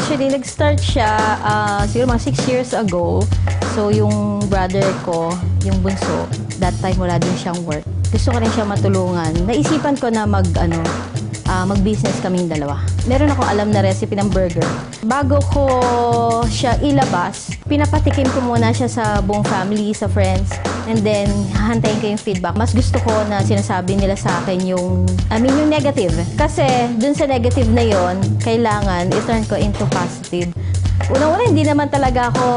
Actually, nag-start siya siguro mga 6 years ago. So, yung brother ko, yung bunso, that time wala din siyang work. Gusto ko rin siya matulungan. Naisipan ko na mag-business kaming dalawa. Meron akong alam na recipe ng burger. Bago ko siya ilabas, pinapatikim ko muna siya sa buong family, sa friends, and then hahantayin ko yung feedback. Mas gusto ko na sinasabi nila sa akin yung negative. Kasi dun sa negative na yon, kailangan i-turn ko into positive. Unang-una, hindi naman talaga ako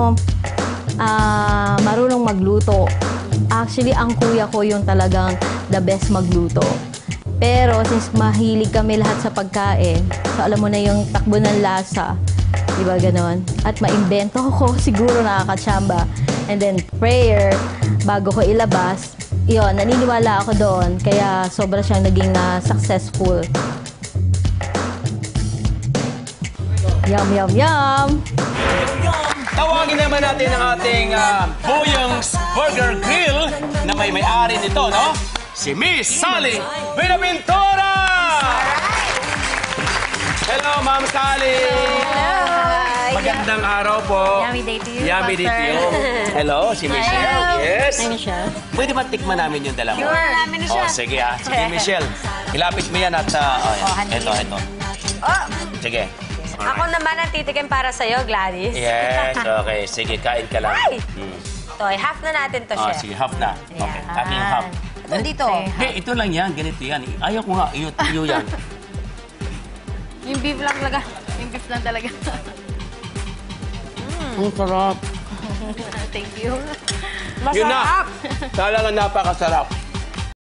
marunong magluto. Actually, ang kuya ko yung talagang the best magluto. Pero since mahilig kami lahat sa pagkain, so alam mo na yung takbo ng lasa, di ba ganon? At maimbento ko, siguro nakakatsamba. And then prayer, bago ko ilabas, yun, naniniwala ako doon. Kaya sobra siyang naging successful. Yum, yum, yum! Tawagin naman natin ang ating Boyong's Burger Grill na may-ari nito, no? Si Miss Sally Buenaventura! Hello, Ma'am Sally! Hello! Magandang araw po. Yummy day to you, Yummy day to you. Hello, si Michelle. Yes. Hi, Michelle. Pwede ba tikman namin yung dala mo? Sure. Namin na siya. Oh, sige Sige, Michelle. Ilapit mo yan at ito. Oh, Sige. ako naman ang titikim para sa'yo, Gladys. Yes, okay. Sige, kain ka lang. Ay! Toy, half na natin to, Chef. Sige, half na. Okay, Ayan. aking half. Nandito. Hey, ito lang yan, ganito yan. Ayaw ko nga, iyo yan. Yung beef lang talaga. Yung beef lang talaga. Ang sarap. Thank you. Yun na. Talagang napakasarap.